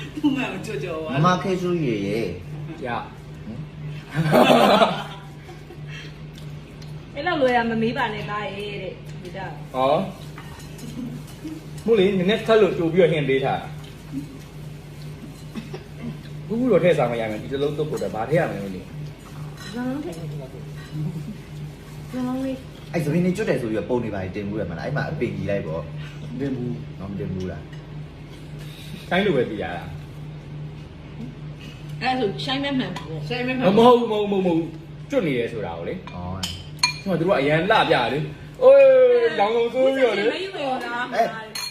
သူ့မှကြော်ကြော်ပါမမခဲစုရေရေရအဲ့လောက်လွယ်တာမမေးပါနဲ့သားရဲ့တဲ့ဒီတော့ဟောမို့လေနည်းနည်းထပ်လို့တူပြီးတော့ဟင်ပေးထားဘူးတော့ထည့်စားမရမယ်ဒီစလုံးတုတ်ဖို့တော့ဗာထည့်ရမယ်လို့လေဇောင်းလုံးထည့်ဇောင်းလေးအဲ့သမီးနေကျွတ်တယ်ဆိုပြီးပုံနေပါတင်ဘူးရမလားအဲ့မှာအပင်ကြီးလိုက်ပေါ့တင်ဘူးတော့မတင်ဘူးလားခိုင်းလို့ပဲပြရတာအဲ့ဆိုရှိုင်းမဲမှန်ပေါ့ရှိုင်းမဲမှန်မဟုတ်ကျွတ်နေရဲဆိုတာကိုလေဩဟိုကတို့ကအရန်လှပြလေအိုးလောင်လုံးဆိုးပြီးတော့လေမယူရတာဟေး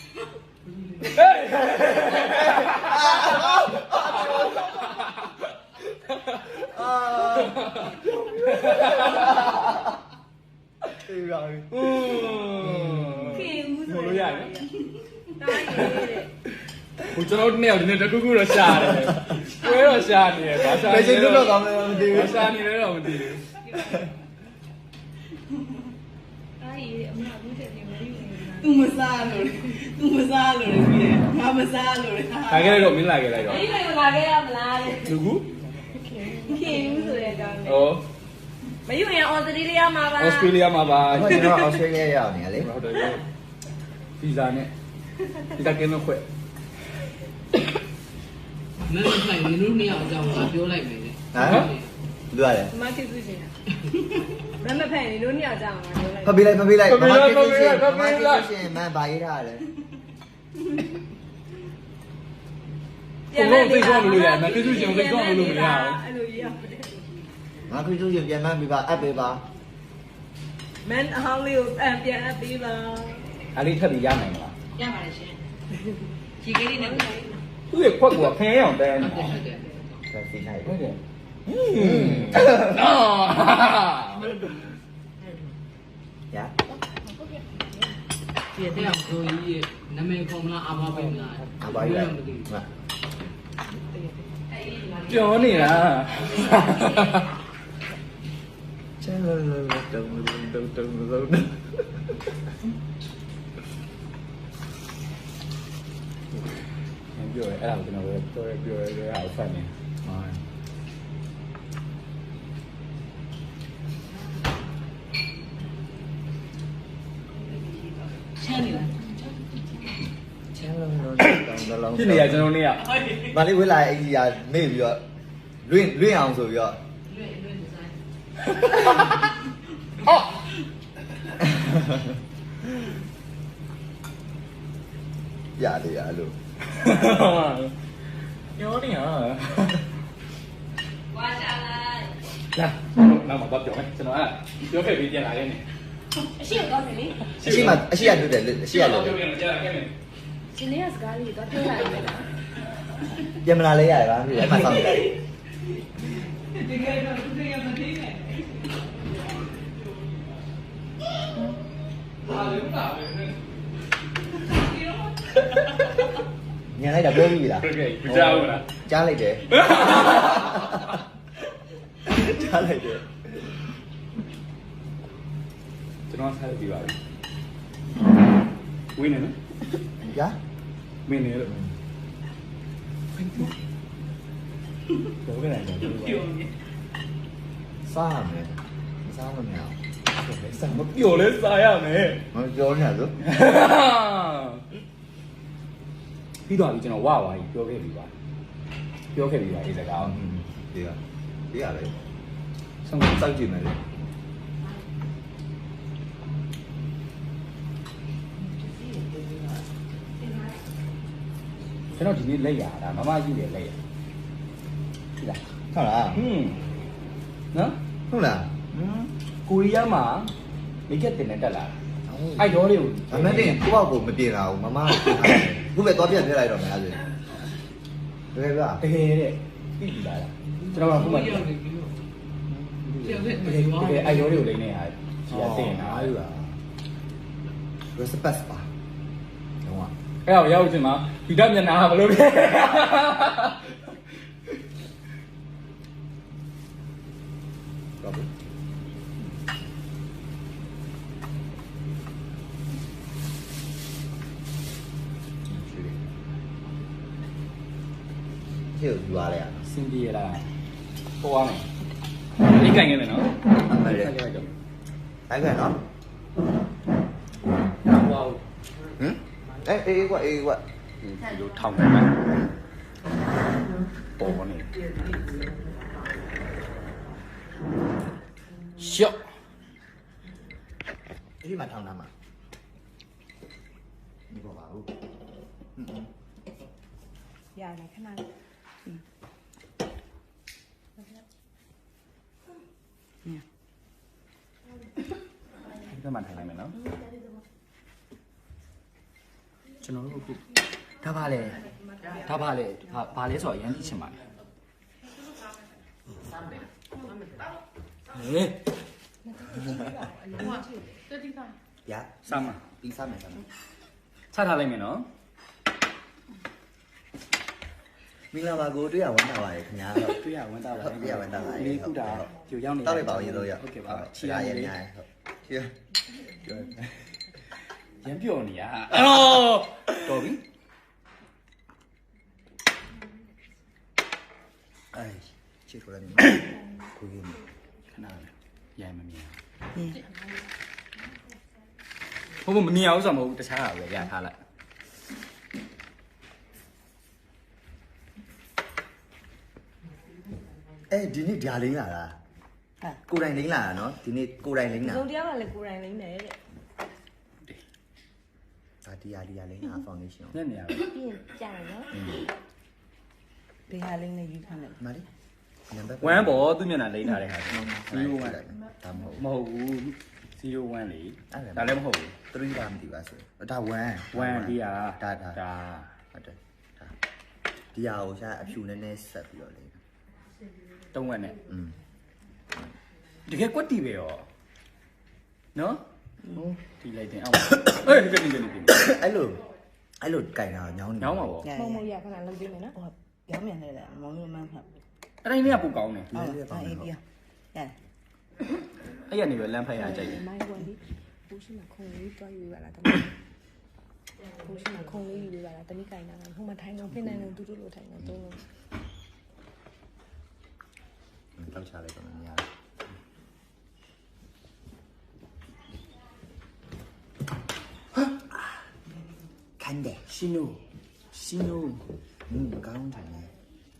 အေးပါပြီခင်ဦးဆိုလို့ရတယ်သားရဲ့တဲ့ဟိုကျွန်တော်တို့နှစ်ယောက်ဒီနေ့တခုခုတော့ရှာတယ်ကွဲတော့ရှာနေတယ်ဘာရှာဘယ်နေချိန်လဲတော့ကောင်းမလဲမသိဘူးဘာရှာနေလဲတော့မသိဘူးသားရဲ့အမဘူးတဲ့မယူရတာသူမစားလို့သူမစားလို့လေငါမစားလို့လေခိုင်းခဲ့လိုက်တော့မင်းလာခဲ့လိုက်တော့မယူရလာခဲ့ရမလားတဲ့လူကူခင်ဦးဆိုတဲ့အကြောင်းနဲ့ဟောမယူရင်အော်စတြေးလျမှာပါဩစတြေးလျမှာပါအခုကျွန်တော်အော်စတြေးလျရောက်နေရလေဟုတ်တယ်ဗီဇာနဲ့ဗီဇာကင်းလို့ခွဲမင်းတို့နိုင်မင်းတို့နှစ်ယောက်အကြောင်းကပြောလိုက်မယ်လေဟမ်လူရတယ်မမဖြစ်စုရှင်မမဖက်နေလို့ညကြအောင်ပြောလိုက်ဖပေးလိုက်မမခဲစုရှင်မန်ဘာရေးထားလဲဘုံလုံးသိကောင်းလို့ရတယ်မပြည့်စုံရှင်သိကောင်းလို့မရဘူးအဲ့လိုရပါတယ်ငါခဲစုရှင်ပြန်မှန်းပြပါအပ်ပေးပါမန်အဟောင်းလေးကိုပြန်အပ်ပေးပါအားလေးထပ်ပြီးရနိုင်မလားရပါတယ်ရှင်ဒီကလေးနဲ့ဟုတ်တယ်သူ့ရဲ့ခွက်ကခင်းအောင်တန်းနေဟုတ်တယ်ဆက်စီနိုင်ဟုတ်တယ်တယ်နော်ရဒီတဲ့အောင်ကိုကြီးနာမည်ခေါ်မလားအာဘာပဲမလားအပါရမသိပြောနေတာချဲလောလောတုံတုံလုံးပြောရဲအဲ့ဒါကိုကျွန်တော်ပြောရဲအားဖတ်နေချမ်းနေလားချဲလောလောတုံလုံးဖြစ်နေရကျွန်တော်နေရမလေးဝေးလာအကြီးရမေ့ပြီးတော့လွင့်အောင်ဆိုပြီးတော့လွယ်ဒီဇိုင်းအော်ရတယ်ရလို့ပြောနေရဝါရှာလိုက်လာနောက်မှာပြောမယ်ကျွန်တော်ပြောခဲ့ပြီးပြန်လာခဲ့နေအရှိတော့တယ်လေအရှိရတွေ့တယ်အရှိရလို့ပြောပြန်ကြာခဲ့နေရှင်လေးကစကားလေးတော့ပြောလိုက်မယ်လားပြန်မလာလဲရတယ်ဗျာအဲ့မှာစောင့်နေတယ်ဒီကတော့သူတွေကမသိနဲ့ဟာလေဘာလဲညံလိုက်တာပြောပြီးလားโอเคကြားဦးလားကြားလိုက်တယ်ကြားလိုက်တယ်ကျွန်တော်ဆက်ပြီးပါပြီဝင်းနေနော်ညာမင်းနေလို့ဘောကလည်းတော့ပြောနေစားရမယ်စားမမြောင်စမပြောလဲစားရမယ်မပြောနေရဆိုပြီးတော့ကျွန်တော်ဝါဝါကြီးပြောခဲ့ပြီးပါပြောခဲ့ပြီးပါဒီစကားဒီကဒီရလေဆုံးစောက်ကြည့်မယ်လေကျွန်တော်ဒီနေ့လက်ရတာမမကြီးတယ်လက်ရဒီလားဟုတ်လားဟွန်းနော်ဟုတ်လားကိုရီးယားမှာမိကက်တင်နဲ့တက်လာအဲ့တော့လေးကိုအမတ်တင်ကိုယ့်ဘောက်ကိုမပြင်လာဘူးမမခုပဲတော့ပြန်ပြလိုက်တော့မယ်အဲ့ဒါတကယ်ဗျာတကယ်တဲ့ပြီးပြီလားကျွန်တော်ကခုမှတကယ်အဲ့တော့လေးကိုလိမ့်နေရတယ်ဒီကတင်တာအားရပါ respect ပါတော့အဲ့တော့ရောက်ချင်မှာဒီတက်မျက်နှာဘယ်လိုလဲတော့ဘူးရှေ့ကိုယူသွားလိုက်ရစင်ပြေလားပေါ်ရမယ်ဒီကင်ခဲ့မယ်နော်ဟုတ်တယ်လိုက်တော့အဲ့ကနော်ဝါဟမ်အေးကွာအေးကွာဒီလိုထောင်နေမယ်ပေါ်နေရှော့ဒီမှာထောင်တာမှာဒီပေါ်ပါဘူးရတယ်ခဏလေးဒီမှာထိုင်လိုက်မယ်နော်ကျွန်တော်တို့အခုဒါပါလေဘာလဲဆိုတော့အရင်သိချင်ပါတယ်ဟေးရစမ်းမပြီးစားမယ်စားမယ်ချထားလိုက်မယ်နော်မင်္ဂလာပါကိုတွေ့ရဝမ်းသာပါတယ်ခင်ဗျာဟုတ်တွေ့ရဝမ်းသာပါဟုတ်တွေ့ရဝမ်းသာပါတယ်လေးခုတာပြိုရောက်နေတောက်လိုက်ပါဦးရေလို့ရဟုတ်ကဲ့ပါချီရရရဟုတ်ချီရရမ်းပြောနေရအော်တော်ပြီအေးချီထိုးလိုက်ကိုကြီးခဏလေးရမ်းမမြင်ဟုတ်မမြင်အောင်ဆိုမဟုတ်တခြားဟာပဲရထားလိုက်ဒီနေ့ဓာလင်းလာတာဟာကိုတိုင်လင်းလာတာနော်ဒီနေ့ကိုတိုင်လင်းလာစုံတရားကလည်းကိုယ်တိုင်လိမ့်မယ်တဲ့ဒါဒီယာလင်းလာဖောင်ဒေးရှင်းညနေရပဲပြီးရင်ကြာတယ်နော်ဘယ်ဟာလိမ့်နဲ့ယူထားလဲမာလီနံပါတ်ဝမ်းပေါ်သူ့မျက်နှာလိမ့်ထားတဲ့ဟာ0 1 ဒါမဟုတ်မဟုတ်ဘူး0 1လေဒါလည်းမဟုတ်ဘူး 3ဒါမသိပါဆိုဒါ1 1ဒီဟာဒါဒါဟုတ်တယ်ဒါဒီဟာကိုရှာအဖြူနည်းနည်းဆက်ပြီးတော့လေတုံးဝက်နဲ့อืมတကယ်ကွက်တီပဲရောနော်ဒီလိုက်တင်အောင်အေးဒီကနေ့အဲ့လိုကြိုင်တာညောင်းနေညောင်းပါဗောမုံမရခဏလုံးပေးမယ်နော်ပြောမြန်နေတယ်မောင်တို့မှန်းဖတ်အဲ့တိုင်းလေးကပူကောင်းတယ်ဟုတ်အေးပြရတယ်အဲ့ရနေပဲလမ်းဖက်ရကြိုက်တယ်မိုင်းဝင်ပြီးဘူးရှိမှခုံလေးတွားယူရတာတမီးဘူးရှိမှခုံလေးယူရတာတမီးကင်တာဟိုမှာထိုင်တော့ဖိနေတော့တူတူလိုထိုင်တော့သုံးလုံးတောက်ချလိုက်တော့မရခန်းတယ်ရှင်နိုကောင်းတယ်နော်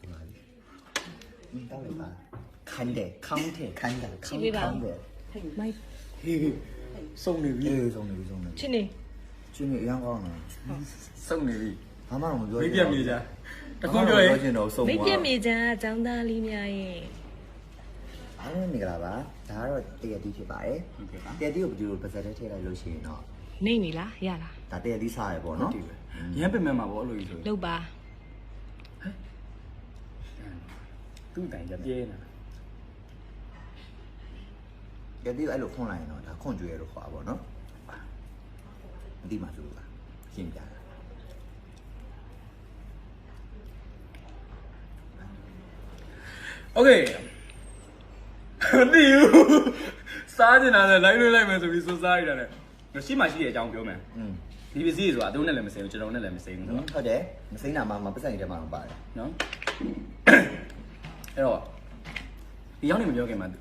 တောက်လိုက်ပါခန်းတယ်ခေါင်းထဲခန်းတယ်မိုင်းဟေးစုံနေပြီအေးဆုံးနေပြီချင်းနေချင်းနေအရင်ကောင်းတယ်စုံနေပြီဘာမှမပြောမိပြမြေကြတခုပြောရင်ချင်တော့ဆုံးမိသွားပြမြေချမ်းအကြောင်းသားလေးများရဲ့အားလုံးနေကြပါဒါကတော့တရတီဖြစ်ပါတယ်ဟုတ်ကဲ့ပါတရတီကိုဘယ်လိုပါဇက်ထဲထည့်လိုက်လို့ရှိရင်တော့နေနေလားရလားဒါတရတီစားရပေါ့နော်ဒီပဲရမ်းပင်မဲ့မှာဗောအဲ့လိုကြီးဆိုလုတ်ပါသူ့တိုင်ကြပြဲနေတာတရတီကိုအဲ့လိုခွန်လိုက်ရင်တော့ဒါခွန်ကြွေလို့ခေါ်တာပေါ့နော်မသိမှဆိုလို့ပါရှင်းပြတာโอเคမသိဘူးစားနေတာနဲ့လိုက်လို့လိုက်မယ်ဆိုပြီးစိုးစားရတာနဲ့ရှိမှရှိတဲ့အကြောင်းပြောမယ်อืมဒီပစ္စည်းဆိုတာသူတို့နဲ့လည်းမစိမ်းဘူးကျွန်တော်နဲ့လည်းမစိမ်းဘူးဆိုတော့ဟုတ်တယ်မစိမ့်တာမှမပတ်စံနေတဲ့မှာမပါတယ်နော်အဲ့တော့ဒီရောက်နေမပြောခင်မှာသူ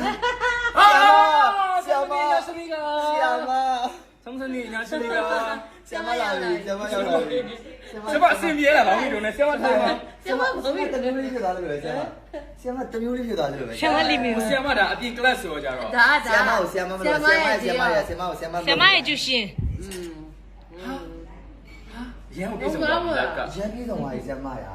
ဆရာမဆမီကဆရာမဆောင်စနေညာဆမီကဆရာမလာပြီဆရာမရောက်လာပြီဆမအစင်ပြေလာပါဘူးတို့နဲ့ဆမထိုင်ပါဆရာမတမျိုးလေးဖြစ်သွားလို့ပဲဆရာမဆရာမတမျိုးလေးဖြစ်သွားလို့ပဲရှမ်းမလီမီဆရာမဒါအပြင် class ဆိုကြတော့ဒါဆရာမကိုဆရာမမလို့ဆရာမရဲ့ဆရာမရဲ့ဆရာမကိုဆရာမဆရာမရဲ့ကျူရှင်ရန်ကိုပြေဆုံးတော့လက်ကရန်ပြေးဆောင်ပါဆရာမရာ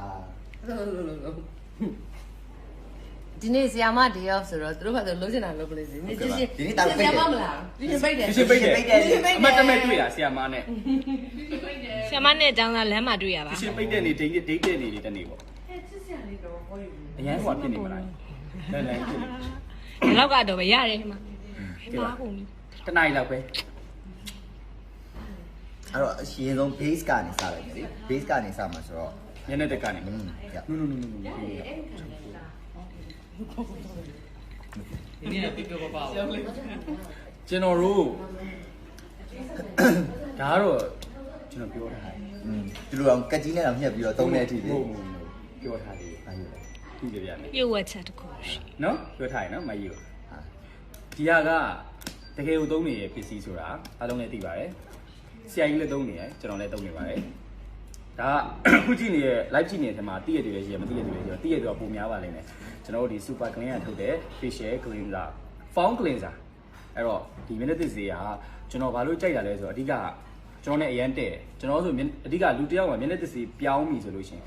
ဒီနေ့ဆီယာမဒေးအော့ဆိုတော့သူတို့ကလုံးချင်တာလုပ်ပလိမ့်စီဒီကျရှင်ဒီနေ့တာပိတ်တယ်ဆီယာမမလားဒီနေ့ပိတ်တယ်ဒီရှင်ပိတ်တယ်အမတ်တမဲ့တွေ့ရဆရာမနဲ့ဆရာမနဲ့အကြောင်းသားလမ်းမှာတွေ့ရပါဒီရှင်ပိတ်တဲ့နေဒိတ်တဲ့နေတနေ့ပေါ့အရန်ဟိုဖြစ်နေမလားလမ်းဖြစ်နေဒီလောက်ကတော့ပဲရတယ်ဟိမှာမှားကုန်ပြီတနိုင်လောက်ပဲအဲ့တော့အရှင်ဆုံး base ကနေစလိုက်မယ်လေ base ကနေစမှာဆိုတော့ညနေတက်ကနေอืมရနုဒီနေ့ပြပြပါကျွန်တော်တို့ဒါကတော့ကျွန်တော်ပြောတာอืมဒီလိုအောင်ကက်ကြီးနဲ့တော့ညှက်ပြီးတော့သုံးတဲ့အထိလေဟုတ်ပြောထားသေးဘာယူလဲသူပြပြမယ်ပြုတ်ဝက်ချက်တစ်ခုရှိနော်ပြောထားရင်နော်မကြီးကိုဟာဒီဟာကတကယ်ကိုသုံးနေတဲ့ပစ္စည်းဆိုတာအားလုံးလည်းသိပါတယ်ဆရာကြီးလည်းသုံးနေတယ်ကျွန်တော်လည်းသုံးနေပါတယ်ဒါကခုကြည့်နေတဲ့ live ကြည့်နေတဲ့ထဲမှာတည့်ရတူလည်းရှိရမတည့်ရတူလည်းရှိရတည့်ရတူကပုံများပါလိမ့်မယ်ကျွန်တော်တို့ဒီ super clean ကထုတ်တဲ့ facial cleanser foam cleanser အဲ့တော့ဒီ minute ဈေးကကျွန်တော်ဘာလို့ကြိုက်တာလဲဆိုတော့အဓိကကျွန်တော်နဲ့အရန်တဲ့ကျွန်တော်ဆိုအဓိကလူတစ်ယောက်က minute ဈေးပြောင်းပြီဆိုလို့ရှိရင်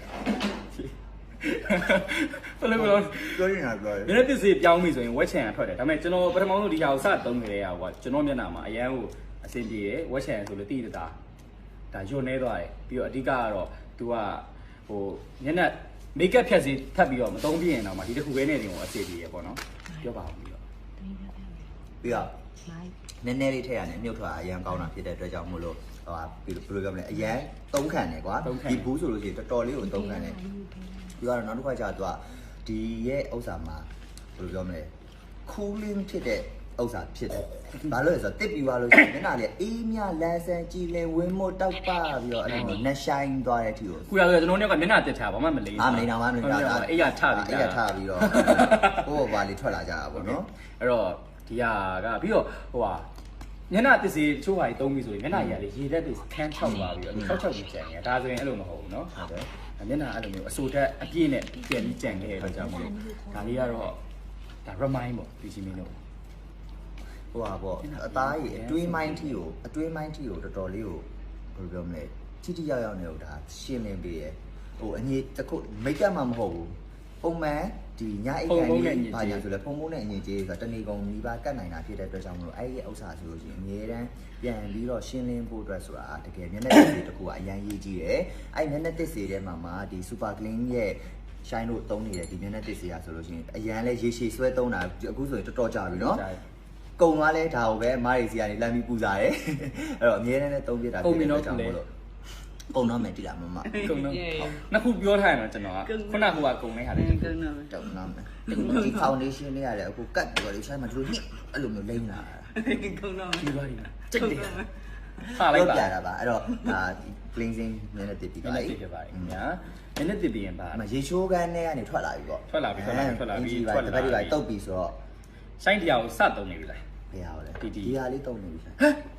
ဘယ်လိုလဲပြောရင်တော့ပြောရင် minute ဈေးပြောင်းပြီဆိုရင်ဝက်ချန်ကထွက်တယ်ဒါပေမဲ့ကျွန်တော်ပထမဆုံးဒီဟာကိုစသုံးနေရတာကကျွန်တော်မျက်နှာမှာအရန်ကိုအဆင်ပြေတယ်ဝက်ချန်ဆိုလို့တည်တာဒါညွတ်နေသွားတယ်ပြီးတော့အဓိကကတော့ तू ကဟိုညနေ make up ဖြတ်စီထပ်ပြီးတော့မသုံးပြရင်တော့မှဒီတစ်ခုပဲနဲ့တင်ကိုအစီအပြေရပေါ့နော်ပြောပါဦးပြီးတော့ပြီးတော့နည်းနည်းလေးထည့်ရတယ်မြုပ်ထွက်အရန်ကောင်းတာဖြစ်တဲ့အတွက်ကြောင့်မို့လို့ဟိုဘယ်လိုပြောမလဲအရန်သုံးခံတယ်ကွာဒီဘူးဆိုလို့ရှိရင်တော်တော်လေးကိုသုံးခံတယ်ပြီးတော့နောက်တစ်ခါကျတော့ဒီရဲ့ဥစ္စာမှာဘယ်လိုပြောမလဲ cooling ဖြစ်တဲ့ဥစ္စာဖြစ်တယ်ဘာလို့လဲဆိုတော့တစ်ပြီးသွားလို့ရှိရင်မျက်နှာလေးအေးမြလန်းဆန်းကြည်လင်ဝင်းမို့တောက်ပပြီးတော့အဲ့လိုနက်ဆိုင်သွားတဲ့အထိကိုခုရဆိုကျွန်တော်တို့ကမျက်နှာတက်ထားဘာမှမလိမ့်မလိမ့်တော့မလိမ့်တော့အေးရထပြီးအေးရထပြီးတော့ဟိုဘာလေးထွက်လာကြတာပေါ့နော်အဲ့တော့ဒီဟာကပြီးတော့ဟိုဟာမျက်နှာတစ်စီတချို့ဟာကြီးသုံးပြီးဆိုရင်မျက်နှာကြီးကလေရေတက်တွေခန်းထောက်သွားပြီးတော့ထောက်ပြီးကြံနေတာဒါဆိုရင်အဲ့လိုမဟုတ်ဘူးเนาะဟုတ်တယ်မျက်နှာအဲ့လိုမျိုးအစိုးတက်အပြည့်နဲ့ပြန်ပြီးကြံခဲ့တဲ့အတွက်ကြောင့်မို့လို့ဒါလေးကတော့ဒါ remind ပေါ့ဒီချင်းမင်းတို့ဟိုပါပေါ့အသားကြီးအတွင်းမိုင်းထီကိုတော်တော်လေးကိုဘယ်လိုပြောမလဲထိထိရောက်ရောက်နေတော့ဒါရှင်းလင်းပေးရဟိုအညီတစ်ခုမိတ်ကပ်မှမဟုတ်ဘူးပုံမှန်ဒီညအိတ်ကန်ကြီးဘာညာဆိုလဲဖုံဖုံနဲ့အငင်ကြီးဆိုတာတဏီကုံမိဘကတ်နိုင်တာဖြစ်တဲ့အတွက်ကြောင့်မလို့အဲ့ဒီဥစ္စာဆိုလို့ရှိရင်အများတန်းပြန်ပြီးတော့ရှင်းလင်းဖို့အတွက်ဆိုတာတကယ်မျက်နှာတစ်စီတစ်ခုကအရန်ရေးကြီးတယ်အဲ့မျက်နှာတစ်စီထဲမှာဒီ super clean ရဲ့ရှိုင်းတို့သုံးနေတဲ့ဒီမျက်နှာတစ်စီကဆိုလို့ရှိရင်အရန်လဲရေရှည်ဆွဲသုံးတာအခုဆိုရင်တော်တော်ကြာပြီနော်ကုံသွားလဲဒါကိုပဲအမားရီစီကနေလမ်းပြီးပူစားတယ်အဲ့တော့အများနဲ့သုံးပြတာဖြစ်တဲ့အတွက်ကြောင့်မလို့ကုံတော့မယ်တိလာမမကုံတော့နှစ်ခုပြောထားရင်တော့ကျွန်တော်ကခုနကဟိုကကုံလေးဟာလေကုန်းတော့မယ်တော့နားမယ်ဒီ foundation လေးရတယ်အခုကတ်ပြီးတော့ရှိုင်းမှာဒီလိုညစ်အဲ့လိုမျိုးလိမ့်လာတာကုန်းတော့မယ်ဒီပါဒီကြိတ်တယ်မယ်ဟာလိုက်ပါပြတာပါအဲ့တော့ဒါ cleansing နည်းနည်းတစ်ပြီးမျက်ပါနှာလေတစ်ပြပါတယ်ခင်ဗျာမျက်နှာတစ်ပြီးရင်ပါအမရေချိုးကန်းထဲကနေထွက်လာပြီပေါ့ထွက်လာပြီထွက်လာပြီထွက်လာပြီတပတ်ဒီပါတုတ်ပြီဆိုတော့ဆိုင်းတရားကိုစသုံးနေပြီလားဘယ်ဟာလဲတီတီဒီဟာလေးတုံနေပြီဟမ်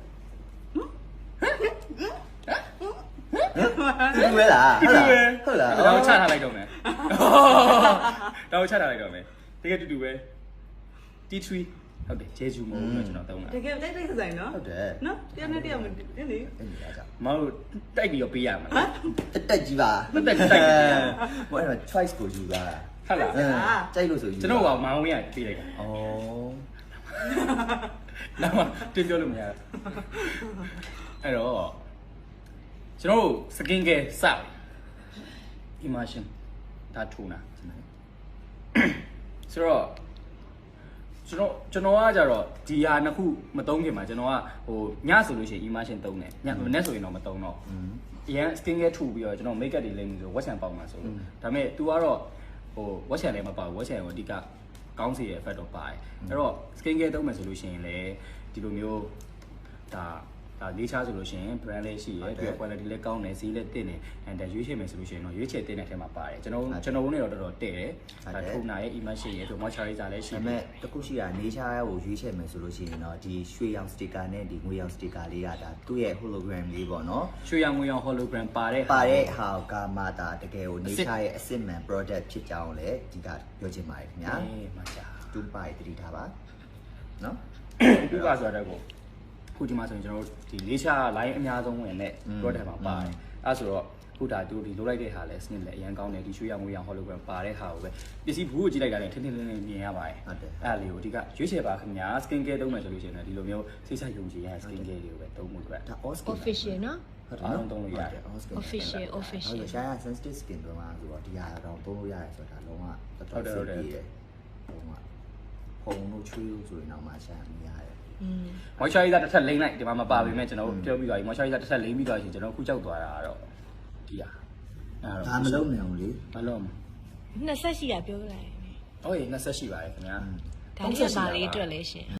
ဒီဝဲလားဟုတ်လားတော့ချထားလိုက်တော့မယ်တော့ချထားလိုက်တော့မယ်တကယ်တူတူပဲ T3 ဟုတ်တယ်ဂျေဂျူမို့လို့ကျွန်တော်သုံးတာတကယ်တိုက်တိုက်ဆိုင်နော်ဟုတ်တယ်နော်တရားနဲ့တရားမတင်လေအဲ့ဒီအားကြောင့်မဟုတ်တိုက်ပြီးတော့ပေးရမှာတက်ကြီးပါတက်တိုက်ပြီးဟိုအဲ့တော့ choice ကိုယူတာဟုတ်လားကြိုက်လို့ဆိုယူကျွန်တော်ကမောင်ဝင်းရပေးလိုက်တာဩနောက်မှတင်ပြောလို့မရဘူးအဲ့တော့ကျွန်တော်တို့ skin care စတယ် immersion ဒါထူနာဆိုတော့ကျွန်တော်ကကြတော့ဒီဟာနှစ်ခုမသုံးခင်မှာကျွန်တော်ကဟိုညဆိုလို့ရှိရင် immersion သုံးတယ်ညမနေ့ဆိုရင်တော့မသုံးတော့အရင် skin care ထူပြီးတော့ကျွန်တော် make up တွေလိမ့်ပြီးဆို watch and ပေါက်မှာဆိုလို့ဒါပေမဲ့ तू ကတော့ဟို watch and လည်းမပေါက် watch and ကိုအဓိကကောင်းစီရဲ့ effect တော့ပါတယ်အဲ့တော့ skin care သုံးမယ်ဆိုလို့ရှိရင်လည်းဒီလိုမျိုးဒါလေးချားဆိုလို့ရှိရင် brand လေးရှိရယ်ပြီးတော့ quality လည်းကောင်းတယ်ဈေးလည်းတင့်တယ်အဲ့ဒါရွေးချယ်မယ်ဆိုလို့ရှိရင်တော့ရွေးချယ်တင်တဲ့ထဲမှာပါတယ်ကျွန်တော်တို့နဲ့တော့တော်တော်တဲ့တယ်ဒါထုံနာရဲ့ immersion ရဲ့ moisturizer လည်းရှိဒါပေတယ်မဲ့တခုရှိတာနေချာကိုရွေးချယ်မယ်ဆိုလို့ရှိရင်တော့ဒီရွှေရောင်စတစ်ကာနဲ့ဒီငွေရောင်စတစ်ကာလေးကဒါသူ့ရဲ့ hologram လေးပေါ့နော်ရွှေရောင်ငွေရောင် hologram ပါတဲ့ပါတဲ့ဟာကမှဒါတကယ်ကိုနေချာရဲ့အစစ်မှန် product ဖြစ်ကြောင်းလည်းဒီကပြောချင်ပါတယ်ခင်ဗျာအေးမှာကြာတူပါတတိထားပါနော်ခုကဆိုတော့ခုဒီမှာဆိုရင်ကျွန်တော်တို့ဒီလေးချာ line အများဆုံးဝင်တဲ့ product မှာပါတယ်အဲဆိုတော့ခုဒါသူဒီလိုလိုက်တဲ့ဟာလဲ snip လဲအရင်ကောင်းတယ်ဒီရွှေရောင်ငွေရောင် hologram ပါတဲ့ဟာကိုပဲပစ္စည်းဘူးကိုကြည့်လိုက်တာလည်းထင်းထင်းလင်းလင်းမြင်ရပါတယ်ဟုတ်တယ်အဲ့လေးကိုအဓိကရွေးချယ်ပါခင်ဗျာ skin care သုံးမယ်ဆိုလို့ရှိရင်လည်းဒီလိုမျိုးစိတ်ချယုံကြည်ရတဲ့ skin care တွေကိုပဲသုံးမှုအတွက်ဒါ all skin official နော်ဟုတ်တယ်အားလုံးသုံးလို့ရတယ် all skin official ဟုတ် official တယ်ရှား sensitive skin တွေမှာဆိုတော့ဒီဟာတော့သုံးလို့ရတယ်ဆိုတာလုံးဝတော်တော်စိတ်ကြီးတယ်လုံးဝဖုံလို့ချွေးလို့ဆိုရင်တော့မှရှားမရတယ် moisturizer တစ်ထပ်လိမ့်လိုက်ဒီမှာမပါပေမဲ့ကျွန်တော်တို့ပြောပြီးသွားပြီ moisturizer တစ်ထပ်လိမ့်ပြီးသွားရင်ကျွန်တော်ခုကြောက်သွားတာကတော့ဒီဟာအဲ့ဒါမလုံးနိုင်ဘူးလေမလုံးနှစ်ဆက်ရှိတာပြောလိုက်ဟုတ်ရေ20ရှိပါတယ်ခင်ဗျာဒါလေးပါလေးအတွက်လဲရှင်